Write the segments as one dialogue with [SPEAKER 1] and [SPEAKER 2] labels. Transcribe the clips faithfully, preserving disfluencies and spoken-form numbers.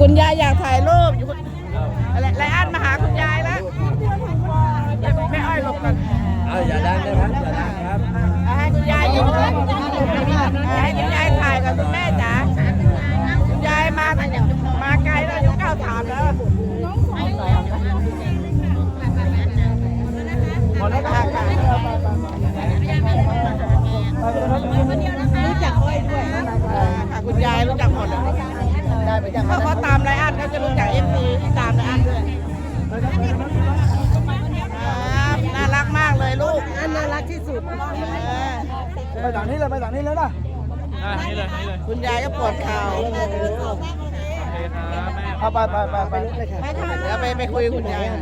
[SPEAKER 1] คุณยายอยากถ่ายรูปอยู่อะไรไรอันมาหาคุณยายแล้วแม่อ้อยหลบกัน
[SPEAKER 2] เอาอย่าดังนะครับอย่าดังครับ
[SPEAKER 1] ให้คุณยายอยู่ให้คุณยายถ่ายกับคุณแม่จ๋าคุณยายมามาไกลแล้วอยู่เก้าถามแล้วหมดแล้วค่ะรู้จักอ้อยด้วยค่ะคุณยายรู้จักหมดเพราะเขาตามไรอันเขาจะรู้จักเอฟซีที่ตามไรอันด้วยน่ารักมากเลยลูกอันน่ารักที่สุด
[SPEAKER 2] ไปต่างนี้เลยไปต่างนี้เลยนะ
[SPEAKER 3] นี่เลยนี่เลย
[SPEAKER 1] คุณยายก็ปวดเข่า
[SPEAKER 2] เอาไปไปไปไปเลยค่ะ
[SPEAKER 1] เดี๋ยวไปไปคุยกับคุณยาย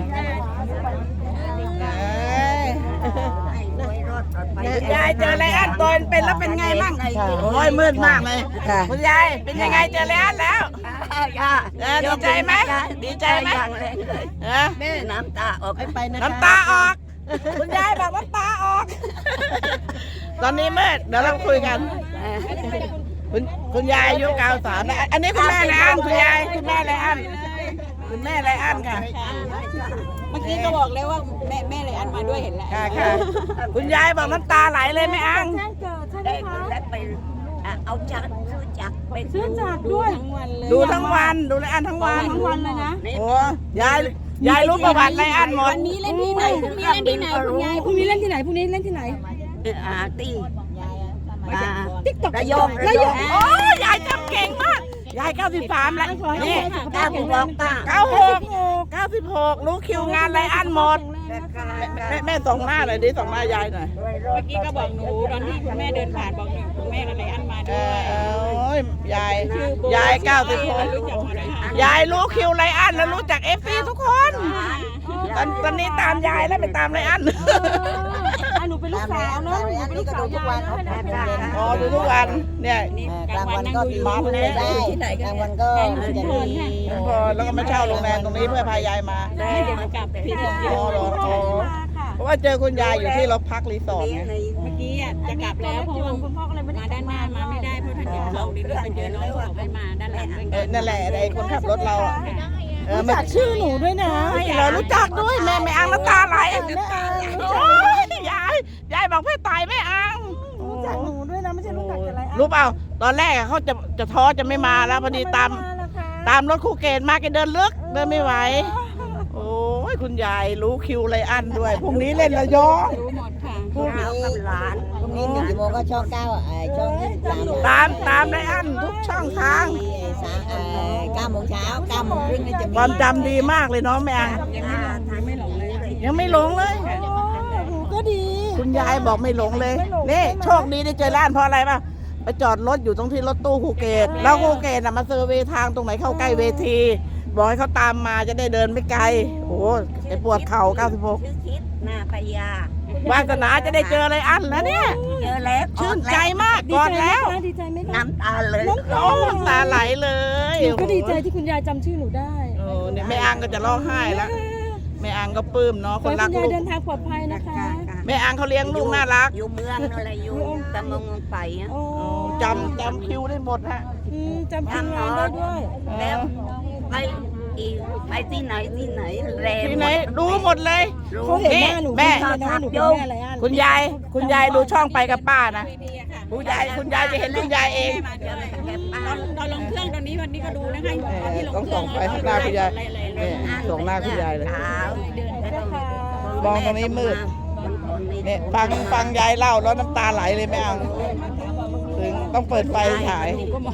[SPEAKER 1] ยายเจอไรอันตอนเป็นแล้วเป็นไงบ้างโอ้ยมืดมากเลยคุณยายเป็นยังไงเจอไรอันแล้วดีใจไหมดีใจไหม
[SPEAKER 4] แม่น้ำตาออกไปนะ
[SPEAKER 1] น้ำตาออกคุณยายบอกน้ำตาออกตอนนี้มืดเดี๋ยวเราคุยกันคุณคุณยายอายุเก้าสามแล้วอันนี้คุณแม่ไรอันคุณยายคุณแม่ไรอันคุณแม่ไรอันค่ะ
[SPEAKER 4] เมื่อกี้ก็บอกแล้วว่าแม่แม่ไรอันมาด้วยเห็นแล้ว
[SPEAKER 1] ค่ะค่ะคุณยายบอกน้ำตาไหลเลยแม่อัง
[SPEAKER 4] ได้ไปเอาจักรซื้อจักรไป
[SPEAKER 5] ซื้อจักรด้วย
[SPEAKER 1] ดูทั้งวันดูไรอันทั้งวัน
[SPEAKER 5] ทั้งวันเลยนะ
[SPEAKER 1] โอ้ยายยายรู้ประวัติไรอันหมด
[SPEAKER 4] วันนี้เล่นที่ไหนพรุ่งนี้เล่นที่ไหนคุณยาย
[SPEAKER 5] พรุ่งนี้เล่นที่ไหนพรุ่งนี้เล่นที่ไหน
[SPEAKER 4] อ่าตี
[SPEAKER 5] ติ๊กต็อก
[SPEAKER 4] ระยอง
[SPEAKER 1] ระยองโอ้ยายจำเก่งมากยายเก้าสิบสามแล้วนี่
[SPEAKER 4] เก้าสิบหก
[SPEAKER 1] เก้าหกเก้าสิบหกรู้คิวงานไรอันหมดแม่แม่ส่งหน้าหน่อยดิส่งหน้ายายหน่อย
[SPEAKER 4] เมื่อกี้ก็บอกหนูตอนที่คุณแม่เดินผ่านบอกหนูคุณแม่กับไรอันมาด้วย
[SPEAKER 1] โอ้ยยายยายเก้าสิบหกยายรู้คิวไรอันแล้วรู้จักเอฟซีทุกคนตอนตอนนี้ตามยายแล้วไปตามไรอัน
[SPEAKER 5] หนูเป็นลูกสาวเนาะหนูเป็นลูกสาวทุกวัน
[SPEAKER 1] อ๋อดูทุกวันเนี่ย
[SPEAKER 4] กลางวันก็มาได้ที่ไหนกลางวันก็จะมี
[SPEAKER 1] พอแล้วก็มาเช่าโรงแรมตรงนี้เพื่อพายายมา
[SPEAKER 4] ได้กลับพี่ถึง
[SPEAKER 1] อ๋อหรอเพราะว่าเจอคุณยายอยู่ที่เราพักรีสอร์ทไง
[SPEAKER 4] เมื่อกี้จะกลับแล้วเพราะว่าคุณพ่อก็เลยมาด้านหน้ามาไม่ได้เพราะท่านอยู่เราดีด้วยไปเจอน้องเขาไปมาด้านหลัง
[SPEAKER 1] นั่นแหละไอ้คนขับรถเราอ่ะ
[SPEAKER 5] รู้จักชื่อหนูด้วยนะ
[SPEAKER 1] เรารู้จักด้วยแม่แม่อังน้ำตาไหลโอ้ยยายยายบอกแม่ตายแม่อัง
[SPEAKER 5] รู้จักหนูด้วยนะไม่ใช่รู้จักอะไร
[SPEAKER 1] รู้เปล่าตอนแรกเขาจะจะท้อจะไม่มาแล้วพอดีตามตามรถคู่เกณฑ์มาแกเดินลึกเดินไม่ไหวโอ้ยคุณยายรู้คิวไรอันด้วยพรุ่งนี้เล่นระยอง
[SPEAKER 4] รู้หมดค่ะพรุ่งนี้กับหลาน
[SPEAKER 6] พรุ่งนี้หนึ่งชั่วโมงก็ช่องเก้าอ่ะช่องยี่สิบ
[SPEAKER 1] สาม
[SPEAKER 6] ตาม
[SPEAKER 1] ตามไรอันทุกช่องทาง
[SPEAKER 6] สามเก้าโมงเช้าเก้าโมงครึ่งนี่จะมี
[SPEAKER 1] ความจำดีมากเลยเนาะแม่
[SPEAKER 4] ยังไม่หลงเลย
[SPEAKER 1] ยังไม่หลงเลย
[SPEAKER 5] ก็ดี
[SPEAKER 1] คุณยายบอกไม่หลงเลยนี่โชคดีได้เจอร้านเพราะอะไรป่ะไปจอดรถอยู่ตรงที่รถตู้ภูเก็ตแล้วภูเก็ตน่ะมาเซอร์เวย์ทางตรงไหนเข้าใกล้เวทีบอกให้เขาตามมาจะได้เดินไม่ไกลโอ้ไอ้ปวดเข่าเก้าสิบหก
[SPEAKER 4] หน้าพยาว
[SPEAKER 1] าสนาจะได้เจออะไรอันแล้วเนี่ย
[SPEAKER 4] เจอแล้ว
[SPEAKER 1] ชื่นใจมากก่อนแล้ว
[SPEAKER 5] ดีใจไหม
[SPEAKER 4] น้ำตาเลย
[SPEAKER 1] น้ำตาไหลเลย
[SPEAKER 5] หนูก็ดีใจที่คุณยายจำชื่อหนูได้
[SPEAKER 1] โอ้เนี่ยแม่อังก็จะร้องไห้แล้วแม่อังก็ปลื้มเนาะคนรักลูก
[SPEAKER 5] เดินทางปลอดภัยนะคะ
[SPEAKER 1] แม่อังเขาเลี้ยงลูกน่ารัก
[SPEAKER 4] อยู่เมืองอะไรอยู่ตะมงไปอ่ะ
[SPEAKER 1] จำจำคิวได้หมดฮะ
[SPEAKER 5] จำคิวงานได้ด้วย
[SPEAKER 4] แล้วไปอีกไปที่ไหนที่ไหนแรม
[SPEAKER 1] ที่ไหนดูหมดเลย
[SPEAKER 5] เขาเห็นหน้าหนู
[SPEAKER 1] แม่
[SPEAKER 5] อะไรอัน
[SPEAKER 1] คุณยายคุณยายดูช่องไปกับป้านะคุณยายคุณยายจะเห็นคุณยายเอง
[SPEAKER 4] ตอนลงเครื่องตอนนี้วันนี้ก็ดูนะคะ
[SPEAKER 1] ต้องส่งไปข้างหน้าคุณยายส่งหน้าคุณยายเลยมองตรงนี้มืดเนี่ยฟังฟังยายเล่าแล้วน้ำตาไหลเลยแม่อังถึงต้องเปิดไฟฉาย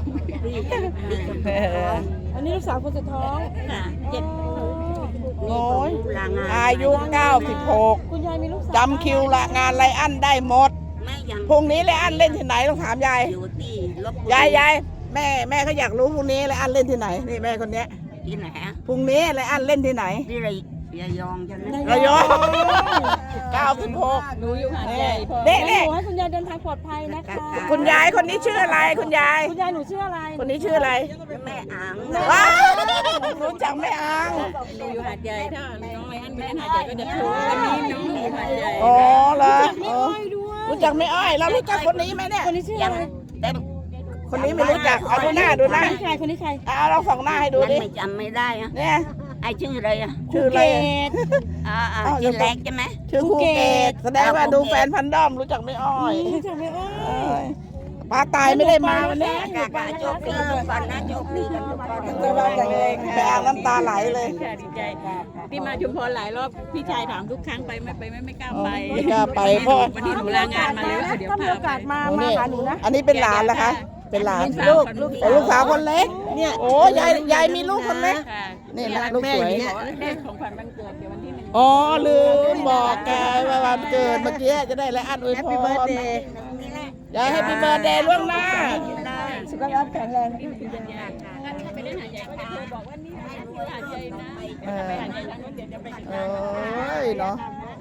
[SPEAKER 5] อันนี้ลูกสาวคนสุดท้อง
[SPEAKER 4] เจ็ด
[SPEAKER 1] โอ้ยอายุเก้าสิบหกจำคิวละงานไรอันได้หมดพรุ่งนี้ไรอันเล่นที่ไหนต้องถามยายยายยายแม่แม่เขาอยากรู้พรุ่งนี้ไรอันเล่นที่ไหนนี่แม่คนนี้
[SPEAKER 4] ที่ไหน
[SPEAKER 1] พรุ่งนี้ไรอันเล่นที่ไหน
[SPEAKER 4] ที่ไรระยองใช่ไหม
[SPEAKER 1] ระยองเก้าสิบหก
[SPEAKER 4] หนูอยู่หาดใหญ่
[SPEAKER 1] เด็กเด็ก
[SPEAKER 5] ให้คุณยายเดินทางปลอดภัยนะคะ
[SPEAKER 1] คุณยายคนนี้ชื่ออะไรคุณยาย
[SPEAKER 5] คุณยายหนูชื่ออะไร
[SPEAKER 1] คนนี้ชื่ออะไร
[SPEAKER 4] แม่อัง
[SPEAKER 1] ว้าวรู้จักแม่อัง
[SPEAKER 4] หนูอยู่หาดใหญ่ถ้าน้องไรอันไม่ได้หาดใหญ่ก็จะถูกวันนี้น้องอยู่หาดใหญ่
[SPEAKER 1] อ๋อเหรอรู้จักแม่อ้อยแล้วรู้จักคนนี้ไหมเนี่ย
[SPEAKER 5] คนนี้ชื่ออะไร
[SPEAKER 4] แต่ค
[SPEAKER 1] คนนี้ไม่รู้จักเอาดูหน้าดูหน้า
[SPEAKER 5] ใครคนนี้ใคร
[SPEAKER 1] เอาเราสองหน้าให้ดู
[SPEAKER 4] มัน
[SPEAKER 1] ดิ
[SPEAKER 4] ไม่จำไม่ได้อะ
[SPEAKER 1] เนี่ย
[SPEAKER 4] ไอชื่ออะไรอะ
[SPEAKER 1] ชื่ออะไรอะ
[SPEAKER 4] อ่าอ่า
[SPEAKER 1] อ้าว
[SPEAKER 4] ชื่อแรกใช่ไหม
[SPEAKER 1] ชื่อครูเกตแสดงว่าดูแฟนพันด้อมรู้จักไม่อ้อย
[SPEAKER 5] รู้จักไหมอ้อ
[SPEAKER 1] เอ้ยป้าตายไม่ได้มาวันนี้
[SPEAKER 4] กากาโชคดีทุกคนนะโชคดีกันทุกคน
[SPEAKER 1] สบายแรงแพงน้ำตาไหลเลย
[SPEAKER 4] ค่ะดีใจที่มาชุมพรหลายรอบพี่ชายถามทุกครั้งไปไม่ไปไม่ไม่กล้าไป
[SPEAKER 1] ไม่กล้าไปเพราะ
[SPEAKER 4] วันนี้หนูลางานมาเลยว่าเดี๋ยว
[SPEAKER 5] ถ้ามี
[SPEAKER 4] พา
[SPEAKER 5] โอกาส
[SPEAKER 4] ไป
[SPEAKER 5] มา
[SPEAKER 1] โอ้
[SPEAKER 5] มา
[SPEAKER 1] นี่
[SPEAKER 5] หาหนูนะ
[SPEAKER 1] อันนี้เป็นหลานเหรอคะ เป็นหลาน
[SPEAKER 4] ลูก
[SPEAKER 1] ลูกโอ้ลูกสาวคนเล็ก เนี่ยโอ้ยายยายมีลูกคนเล็ก
[SPEAKER 4] ค่ะ
[SPEAKER 1] นี่นะลูกสวย
[SPEAKER 4] ขอได้ของขวัญวันเกิดเดี๋ยววันที่หนึ่ง
[SPEAKER 1] อ๋อลืมบอกแกว่าวันเกิดเมื่อกี้จะได้และอันอวยพรยายให้ปีเบิร์ดเดย์ล่วงหน้า
[SPEAKER 5] สุขภาพแข็งแรง
[SPEAKER 4] ไปเล่นหาดใหญ่ก็จะบอกว่านี่อยู่หาดใหญ่นะ
[SPEAKER 1] เออ
[SPEAKER 4] ไปหาดใหญ่แล้วเดี๋ยวจะไปกัน
[SPEAKER 1] โอ้ยเนาะ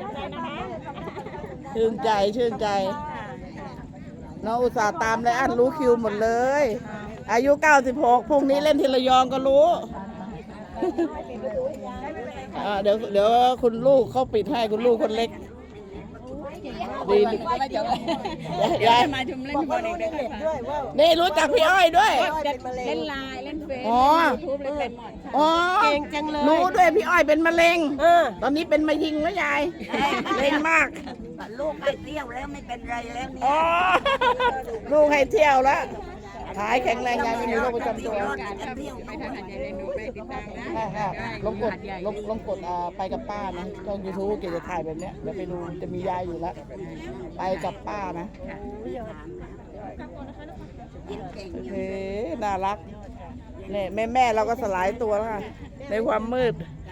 [SPEAKER 1] ชื่นใจชื่นใจน้องอุตส่าห์ตามและอันรู้คิวหมดเลย อายุเก้าสิบหกพรุ่งนี้เล่นที่ระยองก็รู้ อ่าเดี๋ยวเดี๋ยวคุณลูกเขาปิดให้คุณลูกคนเล็กดีดี
[SPEAKER 4] ไม่เดี๋ยวเดี๋ยวย
[SPEAKER 1] าย
[SPEAKER 4] มาชุมเล่นบอลเองด้วยค่ะ
[SPEAKER 1] นี่รู้จักพี่อ้อยด้วย
[SPEAKER 4] เล่นไลน์เล่นเฟซ
[SPEAKER 1] อ๋อ
[SPEAKER 4] ทูบเล่นเป็นหมด
[SPEAKER 1] อ๋อ
[SPEAKER 5] เก่งจังเลย
[SPEAKER 1] รู้ด้วยพี่อ้อยเป็นมะเร็ง
[SPEAKER 5] เออ
[SPEAKER 1] ตอนนี้เป็นมะยิงแล้วยายเล่นมาก
[SPEAKER 4] ลูกไปเที่ยวแล้วไม่เป็นไรแล้ว
[SPEAKER 1] อ๋อลูกให้เที่ยวแล้วขายแข็งแรงยายไม่มีโรคประจำตัว
[SPEAKER 4] ไปทางหาดใหญ่เลยหนูไปติดตามนะ
[SPEAKER 1] ค่ะค่ะลองกดลองลองกดอ่าไปกับป้านะช่องยูทูบเกจะถ่ายแบบเนี้ยเดี๋ยวไปดูจะมียายอยู่แล้ว ไปกับป้านะเฮ้น่ารักเนี่ยแม่แม่เราก็สลายตัวแล้วค่ะในความมืด